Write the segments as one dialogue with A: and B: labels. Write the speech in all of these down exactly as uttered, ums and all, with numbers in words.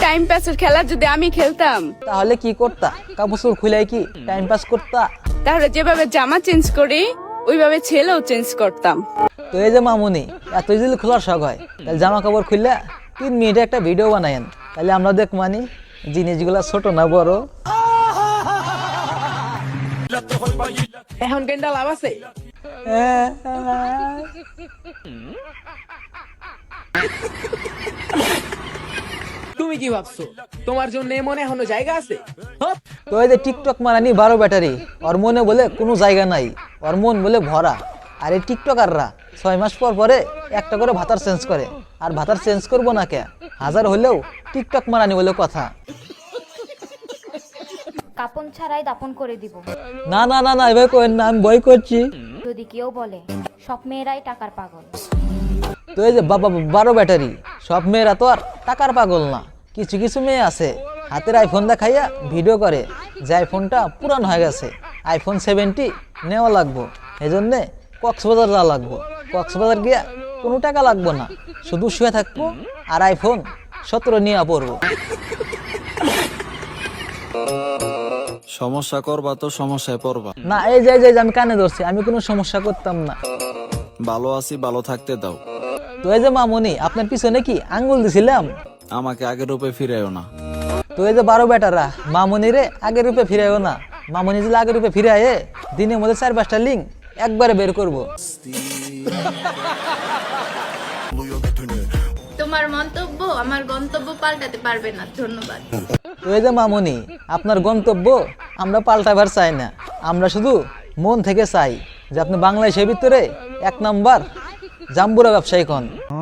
A: Time পাসের খেলা যদি আমি খেলতাম
B: তাহলে কি করতা? কাপড় খুলে কি টাইম পাস করতা?
A: তাহলে যেভাবে জামা চেঞ্জ করি ওইভাবে ছেলেও চেঞ্জ করতাম।
B: তো এই যে মামুনি এত যদি খোলার শখ হয় তাহলে জামা কাপড় খুললে তিন মিনিটে একটা ভিডিও বানায়েন, তাহলে আমরা দেখ মানি জিনিসগুলা ছোট না বড়।
C: এখন কেনটা লাভ আছে? তুমি কি ভাবছো তোমার জন্য মনে এখনো জায়গা আছে?
B: তো এই যে টিকটক মারানি বারো ব্যাটারি, ওর মনে বলে কোনো জায়গা নাই, ওর মন বলে ভরা। আর এই টিকটকাররা ছয় মাস পর পরে একটা করে ভাতার চেঞ্জ করে, আর ভাতার চেঞ্জ করবো না কে, হাজার হলেও টিকটক মারানি বলে কথা।
D: কাপন ছাড়াই দাপন করে দিব।
B: না না না না এভাবে করেন না, আমি ভয় করছি।
D: যদি কেউ বলে সব মেয়েরাই টাকার পাগল,
B: তো এই যে বাবা বারো ব্যাটারি, সব মেয়েরা তো আর টাকার পাগল না। কিছু কিছু মেয়ে আছে হাতের আইফোন দেখাইয়া ভিডিও করে যে আইফোনটা পুরান হয়ে গেছে, আইফোন সেভেন্টি নেওয়া লাগবো, এই জন্যে কক্সবাজার যাওয়া লাগবো। কক্সবাজার গিয়া কোনো টাকা লাগবো না, শুধু শুয়ে থাকবো আর আইফোন সতেরো নিয়ে পড়বো।
E: সমস্যা করবা তো সমস্যায় পড়বা
B: না এই যে এই যে আমি কানে ধরছি, আমি কোনো সমস্যা করতাম না।
E: ভালো আছি ভালো থাকতে দাও।
B: তো এই যে মামুনি আপনার পিছনে কি আঙ্গুল দিছিলাম?
E: আমাকে আগের রূপে ফিরাইও না।
B: তো এই যে বারো বেটারা মামুনি রে আগের রূপে ফিরাইও না, মামুনি যদি আগের রূপে ফিরাইয়ে দিনের মধ্যে চার পাঁচটা লিঙ্ক একবারে বের করবো।
F: তোমার মন্তব্য আমার গন্তব্য পাল্টাতে পারবে না, ধন্যবাদ।
B: তো এই যে মামুনি আপনার গন্তব্য আমরা পাল্টাবার চাই না, আমরা শুধু মন থেকে চাই যে আপনি বাংলাদেশের ভিতরে এক নাম্বার জাম্বুরা ব্যবসায়ী হন।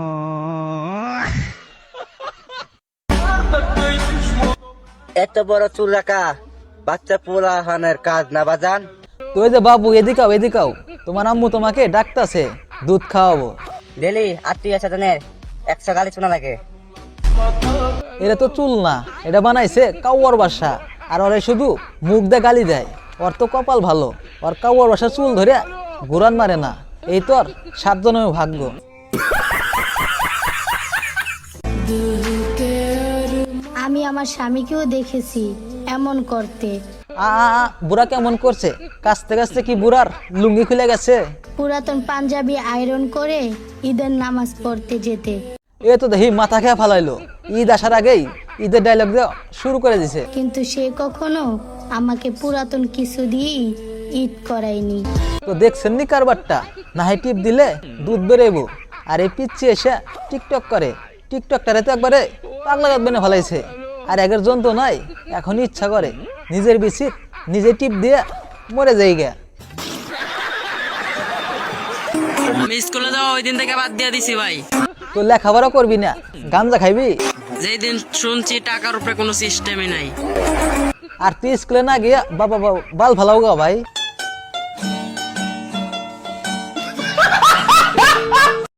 G: এত বড় চুল রাখা বাচ্চা পোলা হানের কাজ না বাজান।
B: তো এই যে বাবু এদিকাও এদিকাও, তোমার আম্মু তোমাকে ডাকতাছে দুধ খাওয়াবো।
G: ডেলি আত্মীয় স্বজনের একশো গালি শোনা লাগে।
B: এটা তো চুল না, এটা বানাইছে কাউয়ার বাসা, আর ওরে শুধু মুখ দিয়ে গালি দেয়। ওর তো কপাল ভালো, ওর কাউয়ার বাসা চুল ধরে ঘুরান মারে না, এই তো আর সাতজনের ভাগ্য।
H: আমি আমার স্বামীকেও দেখেছি এমন করতে।
B: আ আ, আ, বুড়া কেমন করছে? কাছতে কাছতে কি বুড়ার লুঙ্গি খুলে গেছে?
H: পুরাতন পাঞ্জাবি আয়রন করে ঈদের নামাজ পড়তে যেতে।
B: এ তো দেখি মাথা খেয়ে ফালাইলো, ঈদ আসার আগেই ঈদের ডায়লগ দেওয়া শুরু করে দিছে।
H: কিন্তু সে কখনো আমাকে পুরাতন কিছু দিয়েই ঈদ করায়নি।
B: তো দেখছেন নি কারবারটা, না হয় টিপ দিলে দুধ বেরোবো, আর এই পিচ্ছি এসে টিকটক করে। টিকটকটারে তো একবারে পাগলা গাত বেনে ফেলাইছে, আর একের যন্ত্র নাই, এখন ইচ্ছা করে নিজের বিচিত নিজে টিপ দিয়ে মরে যাই গে।
I: আমি স্কুলে যাওয়া ওই দিন থেকে বাদ দিয়ে দিছি ভাই।
B: তো লেখাপড়া করবি না, গাঞ্জা খাইবি?
I: যেই দিন শুনছি টাকার উপরে কোনো সিস্টেমই নাই।
B: আর তুই স্কুলে না গিয়া বাবা বাল ফালাও গা ভাই।